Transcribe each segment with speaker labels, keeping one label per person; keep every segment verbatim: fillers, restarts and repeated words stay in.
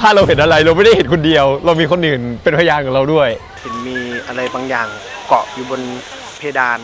Speaker 1: ถ้าเราเห็นอะไรเราไม่ได้เห็นคนเดียวเรามีคนอื่นเป็นพยานกับเราด้วย
Speaker 2: เห็นมีอะไรบางอย่างเกาะอยู่บนเพดาน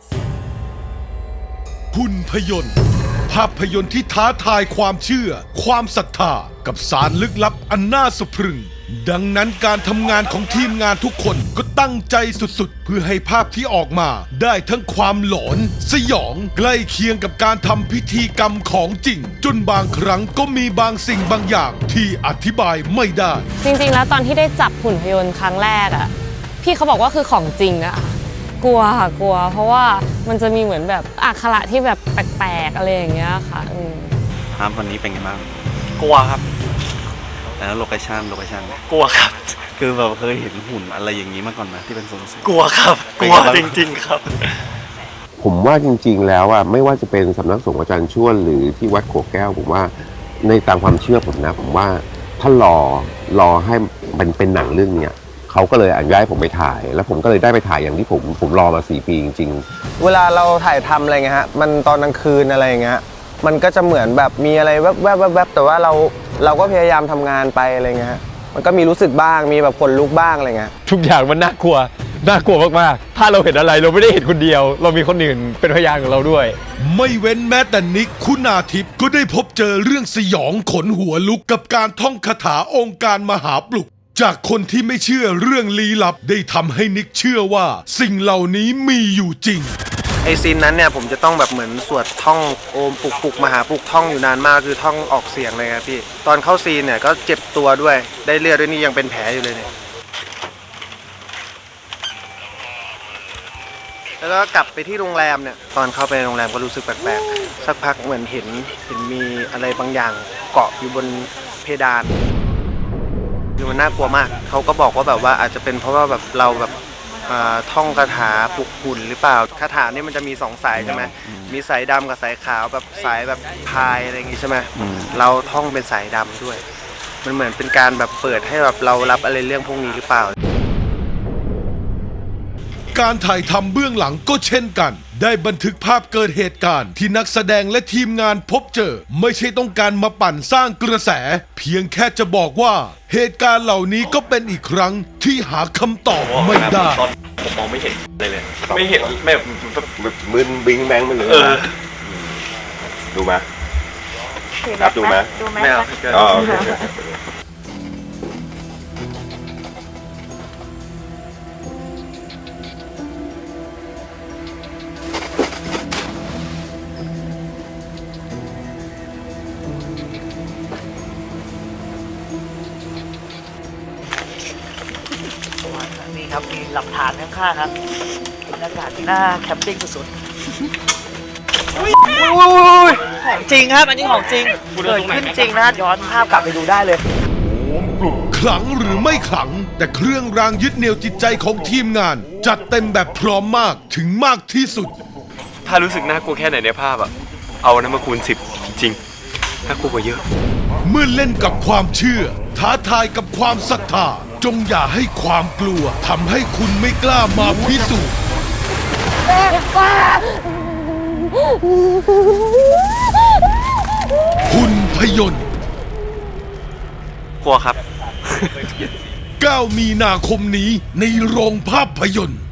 Speaker 3: หุ่นพยนต์ภาพยนตร์ที่ท้าทายความเชื่อความศรัทธากับสารลึกลับอันน่าสะพรึงดังนั้นการทำงานของทีมงานทุกคนก็ตั้งใจสุดๆเพื่อให้ภาพที่ออกมาได้ทั้งความหลอนสยองใกล้เคียงกับการทำพิธีกรรมของจริงจนบางครั้งก็มีบางสิ่งบางอย่างที่อธิบายไม่ได้
Speaker 4: จริงๆแล้วตอนที่ได้จับหุ่นพยนต์ครั้งแรกอ่ะพี่เขาบอกว่าคือของจริงอะกลัวค่ะกลัวเพราะว่ามันจะมีเหมือนแบบอักขระที่แบบแปลกๆอะไรอย่างเงี้ยค่ะ
Speaker 5: ครับวันนี้เป็นไงบ้าง
Speaker 2: กลัวครับ
Speaker 5: แล้วโลเคชั่นโลเคชั่น
Speaker 2: กลัวครับ
Speaker 5: คือแบบเคยเห็นหุ่นอะไรอย่างนี้มาก่อนไหมที่เป็นทรง
Speaker 2: กลัวครับกลัวจริงๆครับ
Speaker 6: ผมว่าจริงๆแล้วอ่ะไม่ว่าจะเป็นสำนักสงฆ์อาจารย์ช่วนหรือที่วัดโขกแก้วผมว่าในตามความเชื่อผมนะผมว่าถ้ารอรอให้มันเป็นหนังเรื่องเนี้ยเขาก็เลยอนุญาตให้ผมไปถ่ายแล้วผมก็เลยได้ไปถ่ายอย่างที่ผมผมรอมาสี่ปีจริง
Speaker 2: ๆเวลาเราถ่ายทำอะไรเงี้ยฮะมันตอนกลางคืนอะไรเงี้ยมันก็จะเหมือนแบบมีอะไรแวบแวบแวบแต่ว่าเราเราก็พยายามทำงานไปอะไรเงี้ยมันก็มีรู้สึกบ้างมีแบบขนลุกบ้างอะไรเงี้ย
Speaker 1: ทุกอย่างมันน่ากลัวน่ากลัวมากๆถ้าเราเห็นอะไรเราไม่ได้เห็นคนเดียวเรามีคนอื่นเป็นพยานกับเราด้วย
Speaker 3: ไม่เว้นแม้แต่นิกคุณาทิพย์ก็ได้พบเจอเรื่องสยองขนหัวลุกกับการท่องคาถาองค์การมหาปลุกจากคนที่ไม่เชื่อเรื่องลี้ลับได้ทำให้นิกเชื่อว่าสิ่งเหล่านี้มีอยู่จริง
Speaker 2: ไอซีนนั้นเนี่ยผมจะต้องแบบเหมือนสวดท่องโอมปุกปุกมหาปุกท่องอยู่นานมากคือท่องออกเสียงเลยครับพี่ตอนเข้าซีนเนี่ยก็เจ็บตัวด้วยได้เลือดด้วยนี่ยังเป็นแผลอยู่เลยเนี่ยแล้วก็กลับไปที่โรงแรมเนี่ยตอนเข้าไปโรงแรมก็รู้สึกแปลกๆสักพักเหมือนเห็นเห็นมีอะไรบางอย่างเกาะอยู่บนเพดานคือมันน่ากลัวมากเขาก็บอกว่าแบบว่าอาจจะเป็นเพราะว่าแบบเราแบบท่องคาถาปลุกหุ่นหรือเปล่าคาถานี่มันจะมีสองสายใช่ไหมมีสายดำกับสายขาวแบบสายแบบพายอะไรอย่างงี้ใช่ไหมเราท่องเป็นสายดำด้วยมันเหมือนเป็นการแบบเปิดให้แบบเรารับอะไรเรื่องพวกนี้หรือเปล่า
Speaker 3: การถ่ายทำเบื้องหลังก็เช่นกันได้บันทึกภาพเกิดเหตุการณ์ที่นักแสดงและทีมงานพบเจอไม่ใช่ต้องการมาปั่นสร้างกระแสเพียงแค่จะบอกว่าเหตุการณ์เหล่านี้ก็เป็นอีกครั้งที่หาคำตอบไม่ได้
Speaker 7: ผมมองไม่เห็นเลยเลยไม่เห็นแบบ
Speaker 6: มึนบิงแบงไปเลยดูไหมครับดูไหม
Speaker 7: ดูไหมไม่เอา
Speaker 6: อ๋อ
Speaker 8: นี่ครับมีหลักฐานข้างๆครับบรรยากาศที่หน้าแคมปิ้งสุดๆของจริงครับอันนี้ของจริงเกิดขึ้นจริงนะย้อนภาพกลับไปดูได้เลย
Speaker 3: ขลังหรือไม่ขลังแต่เครื่องรางยึดเหนี่ยวจิตใจของทีมงานจัดเต็มแบบพร้อมมากถึงมากที่สุด
Speaker 7: ถ้ารู้สึกน่ากลัวแค่ไหนในภาพอะเอานั้นมาคูณสิบจริงน่ากลัวกว่าเยอะ
Speaker 3: เมื่อเล่นกับความเชื่อท้าทายกับความศรัทธาจงอย่าให้ความกลัวทำให้คุณไม่กล้ามาพิสูจน์หุ่นพยนต์
Speaker 7: กลัวครับ
Speaker 3: เก้ามีนาคมนี้ในโรงภาพยนตร์